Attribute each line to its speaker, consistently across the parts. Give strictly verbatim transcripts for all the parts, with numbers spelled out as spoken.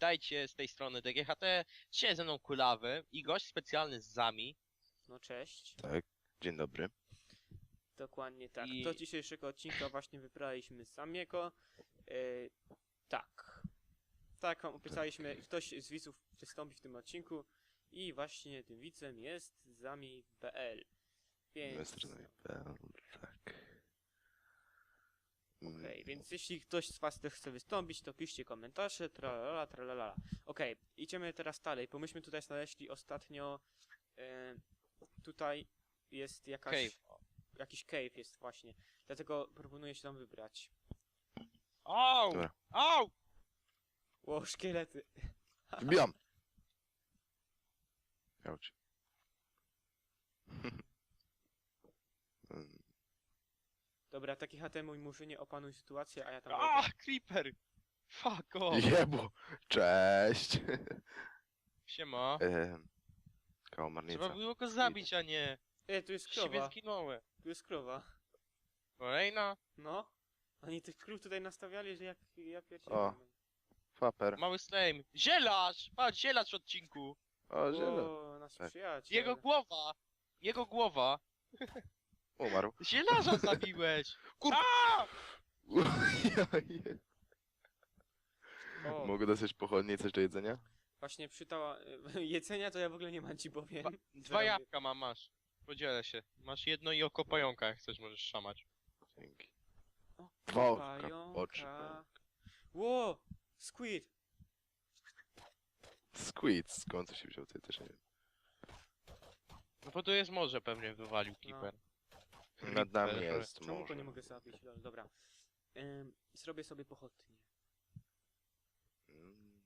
Speaker 1: witajcie z tej strony D G H T. Dzisiaj ze mną Kulawy i gość specjalny z Zami.
Speaker 2: No cześć.
Speaker 3: Tak, dzień dobry.
Speaker 2: Dokładnie tak.
Speaker 1: I-
Speaker 2: Do dzisiejszego odcinka właśnie wybraliśmy Samiego. Yy, tak. Tak, wam obiecaliśmy, ktoś z widzów wystąpi w tym odcinku i właśnie tym widzem jest Zami kropka p l. Więc...
Speaker 3: Tak.
Speaker 2: Okej, okay, więc jeśli ktoś z was też chce wystąpić, to piszcie komentarze, tralala, tralala. Okej, okay, idziemy teraz dalej, bo myśmy tutaj znaleźli ostatnio... Yy, tutaj jest jakaś...
Speaker 1: Cave.
Speaker 2: Jakiś cave jest właśnie, dlatego proponuję się tam wybrać.
Speaker 1: Au!
Speaker 3: Dobra.
Speaker 1: Au!
Speaker 2: Ło, szkielety.
Speaker 3: Wbijam! Jauć.
Speaker 2: Dobra, taki H T mój murzynie, opanuj sytuację, a ja tam...
Speaker 1: A, creeper! Fuck off!
Speaker 3: Jebo! Cześć!
Speaker 1: Siema.
Speaker 3: Ehm,
Speaker 1: Trzeba
Speaker 3: Kałamarnica.
Speaker 1: było go zabić, a nie...
Speaker 2: E, tu jest
Speaker 1: Siebie
Speaker 2: krowa,
Speaker 1: zginąłem.
Speaker 2: tu jest krowa.
Speaker 1: Kolejna?
Speaker 2: No. Oni tych krów tutaj nastawiali, że jak ja
Speaker 3: O.
Speaker 2: pierdzielę.
Speaker 3: Faper.
Speaker 1: Mały slime. Zielarz! Patrz, zielarz w odcinku.
Speaker 3: O, zielony.
Speaker 2: O, nasz
Speaker 3: Tak.
Speaker 2: przyjaciel.
Speaker 1: Jego głowa! Jego głowa!
Speaker 3: Umarł.
Speaker 1: Zielarza zabiłeś!
Speaker 3: Kur-
Speaker 1: A!
Speaker 2: O,
Speaker 3: Mogę dostać pochodnie i coś do jedzenia?
Speaker 2: właśnie przytała... Jedzenia to ja w ogóle nie mam, ci powiem.
Speaker 1: Dwa, dwa jabłka mam, masz. Podzielę się. Masz jedno i oko pająka, jak chcesz, możesz szamać.
Speaker 3: Dzięki.
Speaker 2: O,
Speaker 3: Dwa oka,
Speaker 2: pająka.
Speaker 3: oczy.
Speaker 2: Ło! Squid!
Speaker 3: Squid, skąd to się wziął, to ja też nie wiem.
Speaker 1: No bo tu jest morze, pewnie wywalił Keeper.
Speaker 3: Nad nami jest
Speaker 2: Czemu
Speaker 3: morze.
Speaker 2: go nie mogę zabić? Lol, dobra. Ym, zrobię sobie pochodnie.
Speaker 3: Mm.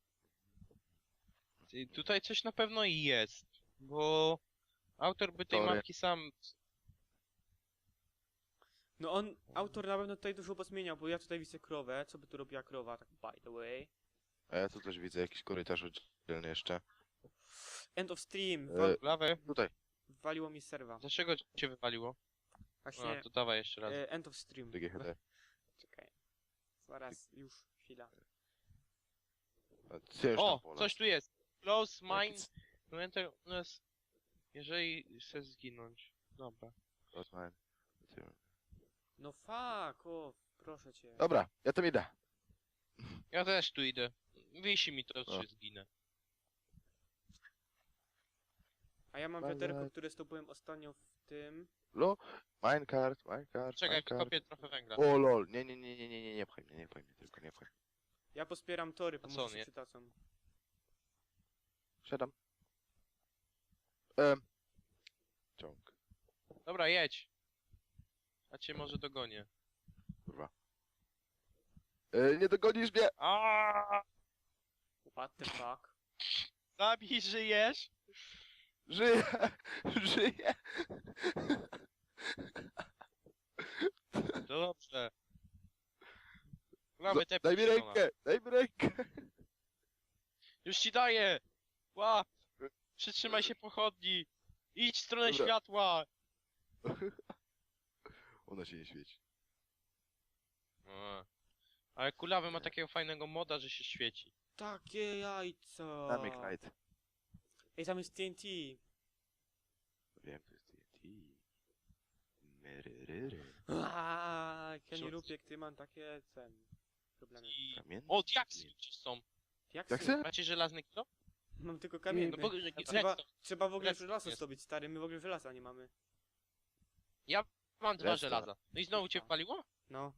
Speaker 1: I tutaj coś na pewno jest, bo autor by tej
Speaker 3: Sorry.
Speaker 1: mapki sam...
Speaker 2: No on, autor na pewno tutaj dużo pozmieniał, bo ja tutaj widzę krowę. Co by tu robiła krowa, tak by the way.
Speaker 3: A ja tu też widzę jakiś korytarz oddzielny jeszcze.
Speaker 2: End of stream!
Speaker 3: E,
Speaker 2: Wal
Speaker 1: Lawę,
Speaker 3: Tutaj.
Speaker 2: waliło mi serwa.
Speaker 1: dlaczego cię wywaliło?
Speaker 2: Właśnie,
Speaker 1: No to dawaj jeszcze raz.
Speaker 2: e, end of stream.
Speaker 3: D G H T.
Speaker 2: Czekaj. Zaraz, już, chwila.
Speaker 3: A ty już
Speaker 1: O,
Speaker 3: tam pola.
Speaker 1: coś tu jest! Close mine...
Speaker 3: Jakiś-
Speaker 1: No enter... No jest... Jeżeli chcesz zginąć. Dobra.
Speaker 3: Rozmawiam.
Speaker 2: No fuck off, proszę cię.
Speaker 3: Dobra, ja tam idę.
Speaker 1: Ja też tu idę. Wisi mi to,
Speaker 3: O.
Speaker 1: czy zginę.
Speaker 2: A ja mam
Speaker 3: Bye,
Speaker 2: wiaderko,
Speaker 3: bye.
Speaker 2: które zdobyłem ostatnio w tym.
Speaker 3: Lo, minecart, minecart,
Speaker 1: Czekaj,
Speaker 3: minecart.
Speaker 1: kopię trochę węgla.
Speaker 3: O lol, nie, nie, nie, nie, nie, nie, nie pchaj mnie, nie pchaj mnie, tylko nie pchaj.
Speaker 2: Ja pospieram tory, bo
Speaker 1: A co
Speaker 2: może
Speaker 1: on
Speaker 2: się
Speaker 1: je-
Speaker 2: przydadzą.
Speaker 3: Siadam. Ehm. Ciąg,
Speaker 1: Dobra, jedź. A cię może dogonię.
Speaker 3: kurwa. E, nie dogonisz mnie!
Speaker 1: Aaaa!
Speaker 2: What the fuck?
Speaker 1: Zabij, żyjesz?
Speaker 3: Żyję! Żyję!
Speaker 1: Dobrze. Mamy te
Speaker 3: Daj mi rękę! Daj mi rękę!
Speaker 1: Już ci daję! Łap! Przytrzymaj się pochodni! Idź w stronę
Speaker 3: Dobra.
Speaker 1: światła!
Speaker 3: Ona się nie świeci.
Speaker 1: A. Ale Kulawy ma takiego fajnego moda, że się świeci.
Speaker 2: Takie jajca!
Speaker 3: Damy Knight.
Speaker 2: Ej, tam jest T N T!
Speaker 3: Wiem, to jest T N T. Myryryry.
Speaker 2: Aaaa, jak ja nie
Speaker 1: Rzuć.
Speaker 2: lubię, jak ty mam takie ten problemy.
Speaker 1: I...
Speaker 3: Kamienny?
Speaker 1: O, diaksy gdzieś są.
Speaker 2: Jak
Speaker 3: Jak
Speaker 2: sy-
Speaker 3: se?
Speaker 1: Macie żelazny kilo?
Speaker 2: Mam tylko kamienny.
Speaker 1: No bo...
Speaker 2: A trzeba, trzeba w ogóle
Speaker 1: Redstone
Speaker 2: żelazo
Speaker 1: jest.
Speaker 2: zdobyć, stary, my w ogóle żelaza nie mamy.
Speaker 1: Ja mam dwa
Speaker 3: Redstone.
Speaker 1: żelaza. No i znowu cię wpaliło?
Speaker 2: No.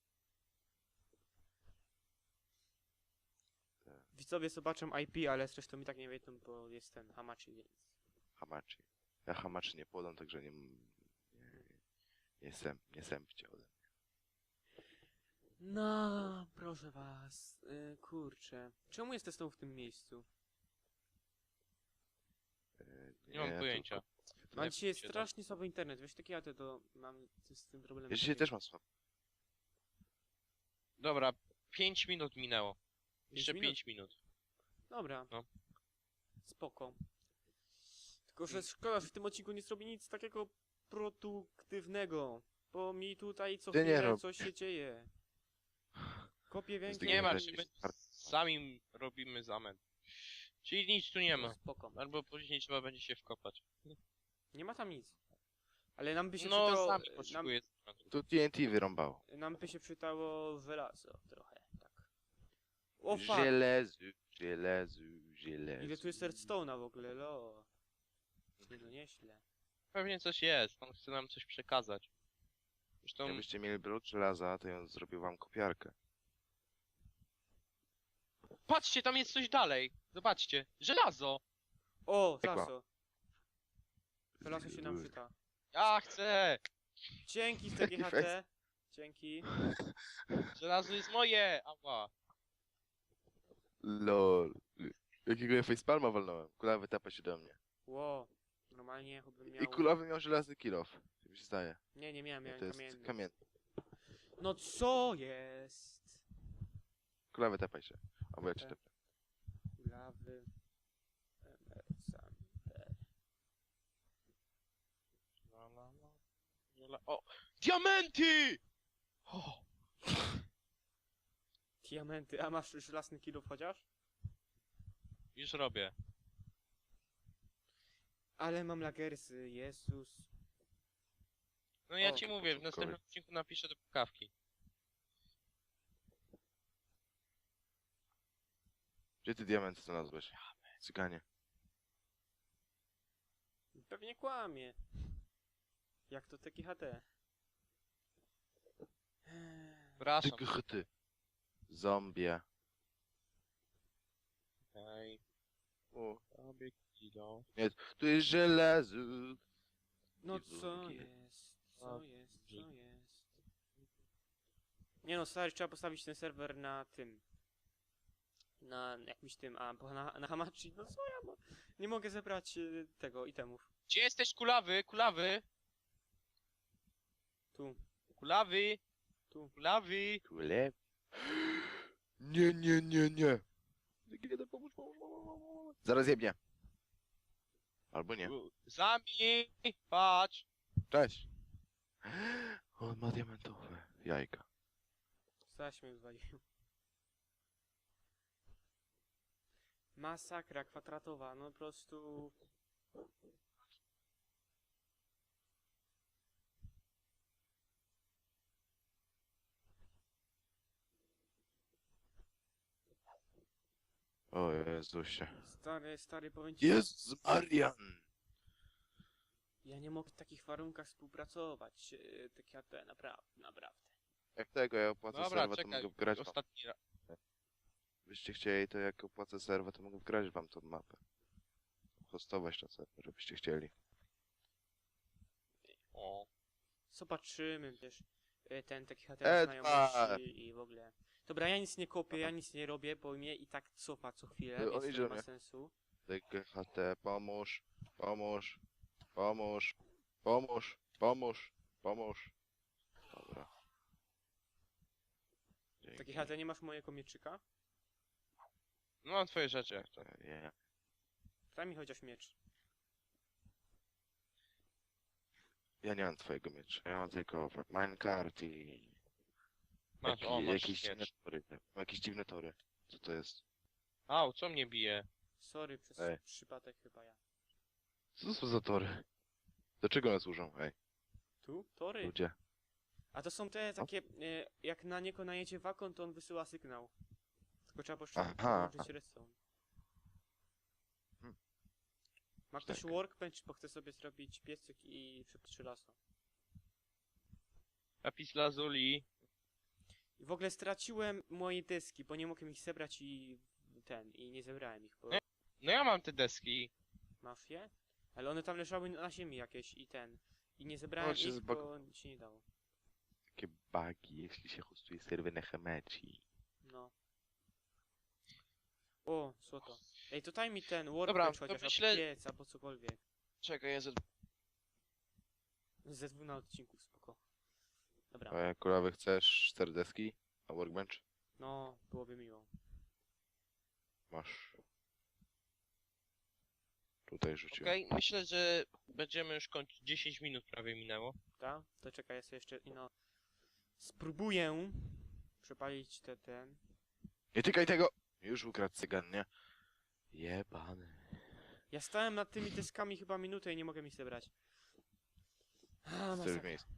Speaker 3: Tak.
Speaker 2: Widzowie zobaczą I P, ale zresztą i tak nie wiedzą, bo jest ten Hamachi, więc...
Speaker 3: Hamachi. Ja hamaczy nie podam, także nie... Nie, nie, sęp, nie sępcie ode mnie.
Speaker 2: No, proszę was, yy, kurczę. Czemu jesteś znowu w tym miejscu?
Speaker 3: E,
Speaker 1: Nie mam pojęcia.
Speaker 3: tylko-
Speaker 2: Mam
Speaker 1: Nie
Speaker 2: dzisiaj
Speaker 1: wiem,
Speaker 2: strasznie słaby internet, wiesz, takie ja to mam z tym problemem.
Speaker 3: Ja dzisiaj też mam słabo.
Speaker 1: Dobra, pięć minut minęło. Jeszcze
Speaker 2: minut?
Speaker 1: pięć minut.
Speaker 2: Dobra.
Speaker 1: No.
Speaker 2: Spoko. Tylko, że szkoda, że w tym odcinku nie zrobi nic takiego produktywnego. Bo mi tutaj co
Speaker 3: Ty nie
Speaker 2: chwilę
Speaker 3: rob.
Speaker 2: coś się dzieje. Kopię węgiel.
Speaker 1: Nie
Speaker 3: ma-
Speaker 1: martw się, my sami robimy zamęt. Czyli nic tu nie ma.
Speaker 2: Spoko.
Speaker 1: Albo później trzeba będzie się wkopać.
Speaker 2: Nie ma tam nic. Ale nam by się
Speaker 1: No,
Speaker 2: przydało...
Speaker 1: sami
Speaker 2: nam,
Speaker 1: potrzebuję.
Speaker 3: Tu T N T wyrąbało.
Speaker 2: nam by się przydało żelazo trochę, tak. O fuck!
Speaker 3: Żelezu, żelezu, żelezu.
Speaker 2: Ile tu jest redstone'a w ogóle, lo. Nie no, nieźle.
Speaker 1: Pewnie coś jest, on chce nam coś przekazać. Zresztą,
Speaker 3: Jakbyście mieli brud żelaza, to ja zrobił wam kopiarkę.
Speaker 1: patrzcie, tam jest coś dalej. Zobaczcie, żelazo!
Speaker 2: O,
Speaker 3: Piekła.
Speaker 2: żelazo. Żelazo się nam przyda.
Speaker 1: Ja chcę!
Speaker 2: Dzięki z T G H T. Dzięki.
Speaker 1: Żelazo jest moje! Ała.
Speaker 3: Lol. Jakiego ja facepalma walnąłem. Kulawy tapa się do mnie.
Speaker 2: Ło. Normalnie chłopbym miał...
Speaker 3: I kulawy miał żelazny kilof. Tak mi się zdaje.
Speaker 2: Nie, nie miałem,
Speaker 3: No
Speaker 2: miałem
Speaker 3: to jest
Speaker 2: kamienny.
Speaker 3: kamienny.
Speaker 2: No co jest?
Speaker 3: Kulawy tapaj się. Albo ja cię
Speaker 2: Te-
Speaker 3: tepię.
Speaker 2: Lawy. Emersander.
Speaker 1: La, la, la. La, o! Diamenty! O!
Speaker 2: Diamenty. A masz żelazny kilów chociaż?
Speaker 1: Już robię.
Speaker 2: Ale mam lagersy, Jezus.
Speaker 1: No ja
Speaker 2: O,
Speaker 1: ci
Speaker 3: to
Speaker 1: mówię, w
Speaker 3: początkowy.
Speaker 1: następnym odcinku napiszę do pukawki.
Speaker 3: Gdzie ty diamenty znalazłeś? Cyganie.
Speaker 2: Pewnie kłamie. Jak to T G H T?
Speaker 1: Przepraszam.
Speaker 3: Ty gchty. Zombie.
Speaker 1: Okej.
Speaker 3: O,
Speaker 1: Sobie kilo.
Speaker 3: tu jest żelazo.
Speaker 2: No
Speaker 3: I
Speaker 2: co
Speaker 3: wulgie.
Speaker 2: jest? Co jest? Co jest? Nie no, stary, trzeba postawić ten serwer na tym. Na jakimś tym, a bo na, na Hamachi, no co ja mo nie mogę zebrać y, tego itemów.
Speaker 1: Gdzie jesteś, kulawy? Kulawy?
Speaker 2: Tu,
Speaker 1: Kulawy?
Speaker 2: tu.
Speaker 1: Kulawy?
Speaker 3: Kule. Nie, nie, nie, nie. Kiedy pomóż, pomóż, pomóż, pomóż. Zaraz jebnie. Albo nie.
Speaker 1: Zami! Patrz!
Speaker 3: Cześć. On ma diamentowe jajka.
Speaker 2: Zaś mnie zwalił. Masakra kwadratowa, no po prostu...
Speaker 3: O Jezusie.
Speaker 2: Stary, stary, powiem ci...
Speaker 3: Jezus Marian!
Speaker 2: Ja nie mogę w takich warunkach współpracować. Yy, tak ja te, naprawdę, naprawdę.
Speaker 3: Jak tego ja opłacę
Speaker 1: Dobra,
Speaker 3: serwa, to
Speaker 1: czekaj.
Speaker 3: mogę wgrać wam.
Speaker 1: Ostatni raz.
Speaker 3: Byście chcieli, to jak opłacę serwa, to mogę wgrać wam tą mapę. Hostować na serwer, żebyście chcieli.
Speaker 1: O.
Speaker 2: Zobaczymy, wiesz, yy, ten taki H T
Speaker 3: Edward!
Speaker 2: znajomości i w ogóle. Dobra, ja nic nie kopię, ja nic nie robię, bo mnie i tak cofa co chwilę,
Speaker 3: No, on
Speaker 2: więc
Speaker 3: idzie
Speaker 2: to
Speaker 3: do
Speaker 2: nie ma
Speaker 3: mnie.
Speaker 2: sensu.
Speaker 3: T G H T, pomóż, pomóż, pomóż, pomóż, pomóż, pomóż. Dobra. Dzięki.
Speaker 2: Taki H T, nie masz mojego mieczyka?
Speaker 1: No mam twoje rzeczy jak to.
Speaker 3: Nie.
Speaker 2: Daj mi chociaż miecz.
Speaker 3: Ja nie mam twojego miecza, ja mam tylko minecart i...
Speaker 1: Masz,
Speaker 3: Jaki,
Speaker 1: o, masz
Speaker 3: jakieś dziwne
Speaker 1: miecz.
Speaker 3: tory. Mam jakieś dziwne tory. Co to jest?
Speaker 1: Au, co mnie bije?
Speaker 2: Sorry, przez
Speaker 3: Ej.
Speaker 2: przypadek chyba ja.
Speaker 3: Co to są za tory? Do czego one służą? Ej,
Speaker 2: Tu? Tory?
Speaker 3: ludzie.
Speaker 2: A to są te takie, e, jak na niego najedzie wakon, to on wysyła sygnał. Tylko trzeba poszczególnie
Speaker 3: Aha.
Speaker 2: połączyć redstone.
Speaker 3: Hmm.
Speaker 2: Ma ktoś
Speaker 3: Tak.
Speaker 2: workbench, bo chce sobie zrobić piecyk i przeptrzy laso.
Speaker 1: Lapis lazuli.
Speaker 2: I w ogóle straciłem moje deski, bo nie mogłem ich zebrać i ten, i nie zebrałem ich, bo...
Speaker 1: Nie. No ja mam te deski.
Speaker 2: Masz je? Ale one tam leżały na ziemi jakieś i ten. I nie zebrałem
Speaker 3: się
Speaker 2: ich,
Speaker 3: zbag-
Speaker 2: bo się nie dało.
Speaker 3: Takie bugi, jeśli się hostuje serwer na Hamachi.
Speaker 2: No. O, złoto. Ej, to daj mi ten
Speaker 1: Dobra,
Speaker 2: workbench
Speaker 1: to
Speaker 2: chociaż,
Speaker 1: myślę-
Speaker 2: albo piec, albo cokolwiek.
Speaker 1: Czekaj, ja z...
Speaker 2: Ze dwóch na odcinku, spoko. Dobra,
Speaker 3: E, Kulawy, chcesz cztery deski? A workbench?
Speaker 2: no, byłoby miło.
Speaker 3: Masz. Tutaj rzuciłem.
Speaker 1: Okej, myślę, że będziemy już kończyć. dziesięć minut prawie minęło.
Speaker 2: Tak? To czekaj, ja sobie jeszcze, ino... Spróbuję przepalić te ten...
Speaker 3: Nie tykaj tego! Już ukradł cygan, nie? Jebany.
Speaker 2: Ja stałem nad tymi deskami chyba minutę i nie mogę mi zebrać. A,
Speaker 3: Chcesz
Speaker 2: masakra.
Speaker 3: miejsce.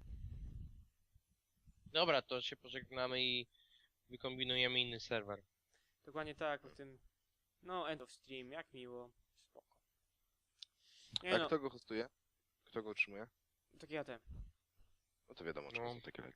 Speaker 1: Dobra, to się pożegnamy i wykombinujemy inny serwer.
Speaker 2: Dokładnie tak, w tym... No, end of stream, jak miło. Spoko. Nie
Speaker 3: A
Speaker 2: no,
Speaker 3: kto go hostuje? Kto go utrzymuje?
Speaker 2: tak ja te.
Speaker 3: No to wiadomo, czego
Speaker 1: No.
Speaker 3: są takie leki.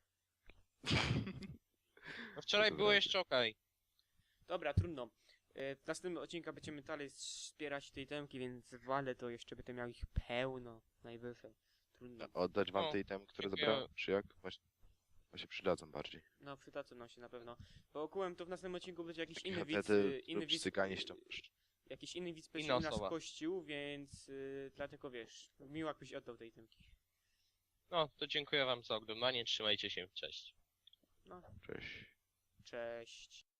Speaker 1: No wczoraj
Speaker 3: to
Speaker 1: było
Speaker 3: wracaj.
Speaker 1: jeszcze okej.
Speaker 2: Dobra, trudno. E, W następnym odcinku będziemy dalej wspierać tej temki, więc wale to jeszcze będę miał ich pełno, najwyżej. Trudno.
Speaker 3: Oddać wam
Speaker 1: O,
Speaker 3: te itemy, które
Speaker 1: dziękuję.
Speaker 3: zabrałem? Czy jak? Właśnie, właśnie przydadzą bardziej.
Speaker 2: No, przydadzą nam się na pewno. Bo ogółem to w następnym odcinku będzie jakiś
Speaker 3: Takie
Speaker 2: inny widz,
Speaker 3: hapety
Speaker 2: y, inny
Speaker 3: lub
Speaker 2: widz,
Speaker 3: stykanie się tam.
Speaker 2: jakiś inny widz
Speaker 1: Inna
Speaker 2: będzie nas
Speaker 1: osoba.
Speaker 2: kościł, więc y, dlatego wiesz, miło jakbyś oddał tej temki.
Speaker 1: No, to dziękuję wam za oglądanie, trzymajcie się, cześć.
Speaker 2: No,
Speaker 3: Cześć.
Speaker 2: cześć.